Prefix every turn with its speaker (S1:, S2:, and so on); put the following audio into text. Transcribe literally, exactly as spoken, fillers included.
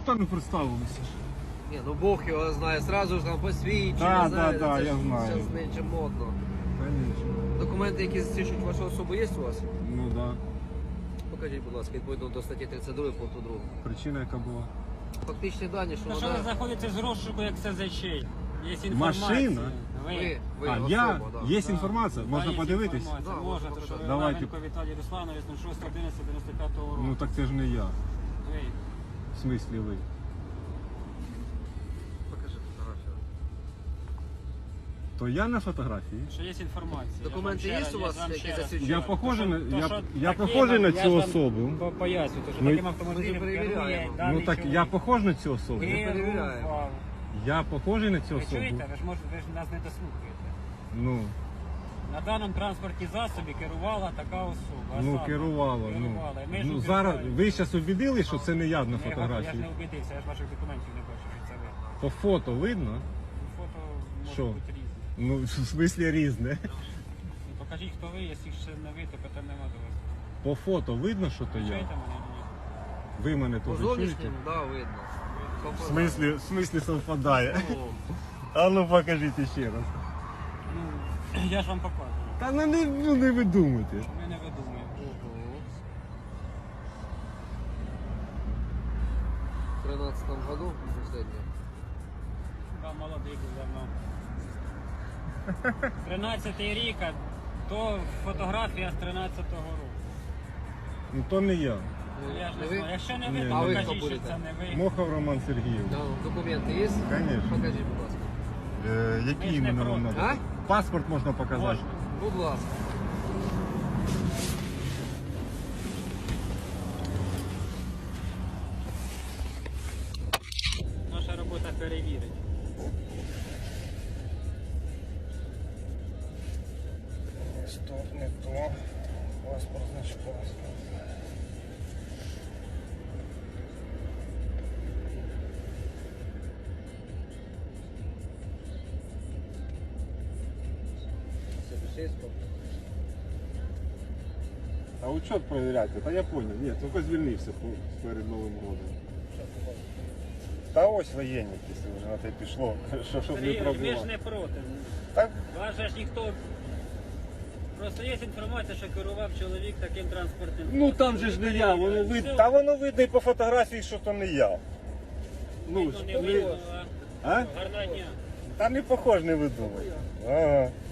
S1: та не представилися.
S2: Ні, ну Бог його знає, сразу ж там посвідчення,
S1: Да,
S2: знаєте,
S1: да, да,
S2: це
S1: я
S2: ж
S1: знаю.
S2: зараз нинче модно.
S1: Звісно.
S2: Документи, які засвідчують вашу особу, є у вас?
S1: Ну так. Да.
S2: Покажіть, будь ласка, відповідно до статті тридцять два пункту другого.
S1: Причина яка була?
S2: Фактичні дані, що
S3: Ну що ви
S2: вона...
S3: знаходитесь з розшуку як СЗЧ? Є інформація.
S1: Машина?
S3: Ви.
S2: Ви, ви,
S1: А,
S2: особа,
S1: я?
S2: да.
S1: Є
S3: Да.
S1: інформація?
S3: Да,
S1: Можна
S3: є
S1: подивитись?
S3: інформація.
S2: Да,
S3: Можна,
S2: можна
S3: то що ви
S1: Давайте.
S3: Лавенко Віталій Русланович, ну шостого одинадцятого дев'яносто п'ятого року.
S1: Ну так це ж не я.
S3: Ви.
S1: В смислі ви?
S2: Покажи фотографію.
S1: То я на фотографії?
S3: Що є інформація.
S2: Документи
S3: Я ж
S2: є
S3: вам
S2: у вас,
S3: ще раз-
S2: які
S3: я ж вам ще раз
S2: засвідчують?
S1: Я
S2: Що?
S1: похожий на,
S3: То,
S1: я,
S3: що
S1: я
S3: таким,
S1: похожий на
S3: я
S1: цю
S3: ж вам
S1: особу.
S3: по- Поясню, то, що
S1: Ну,
S3: таким автомобілем
S2: ми
S3: керує
S2: перевіряємо.
S3: даний
S1: Ну так
S3: чоловік.
S1: я похожий на цю особу?
S2: перевіряємо.
S3: Керував.
S1: Я похожий на цю
S3: Ви
S1: особу?
S3: чуєте? Ви ж можете, ви ж нас не дослухаєте.
S1: Ну,
S3: На даному транспортній засобі керувала така особа.
S1: ну
S3: Саме.
S1: керувала. Ну,
S3: Керувала. І ми ж
S1: ну зараз
S3: убіждаємо.
S1: ви зараз убідили, що це не я на
S3: Я, я ж
S1: фотографії?
S3: не убедився, я ж ваших документів не бачу, що це ви.
S1: По фото видно?
S3: Фото може
S1: Що?
S3: бути різне.
S1: Ну, в смислі різне.
S3: Ну, покажіть, хто ви, якщо ще не ви, то питань нема до вас.
S1: По фото видно, що то я?
S3: Чуєте мене? Ні.
S1: Ви мене
S2: По
S1: теж чуєте?
S2: зовнішнім, да, видно.
S1: В смислі, в смислі совпадає?
S2: О,
S1: А ну покажіть ще раз.
S3: Ну, я ж вам показую.
S1: Та ну не, ну, не ви думайте.
S3: Ми не видумуємо.
S2: ого. В тринадцатому году последнее.
S3: Да, молодий був давно. тринадцятий рік, а то фотографія з тринадцятого року.
S1: Ну то не я.
S3: Ну, я ж
S2: Не
S3: не
S2: ви?
S3: знаю. Якщо не
S1: Ні,
S3: ви, то
S2: а ви хто
S3: покажіть, що
S2: будете?
S3: це не ви.
S1: Мохов Роман Сергійович.
S2: Да, документи є?
S1: Конечно.
S2: Покажіть, будь ласка.
S1: Е,
S3: Ми
S1: які
S3: ж не
S1: іменно вам
S3: проти.
S1: треба?
S2: А?
S1: Паспорт можна показати.
S3: Можна.
S2: Будь ласка.
S3: Наша робота перевірить.
S1: Стоп, не то. Паспорт, значить паспорт. А учет перевіряйте, та я понял. Ні, тільки звільнився по- перед Новим роком. Та ось воєнник, якщо вже на те пішло, що, щоб не
S3: Сергій, ми ж
S1: пробував.
S3: не проти.
S1: Так,
S3: Вас же ж ніхто... Просто є інформація, що керував чоловік таким транспортним.
S1: ну там же ж не я, воно видно. Та воно видно і по фотографії, що то не я. Ну,
S3: Ну,
S1: ж,
S3: не
S1: не-
S3: видно, а?
S1: а?
S3: Гарного дня.
S1: Та не похож, не видумай. Ага.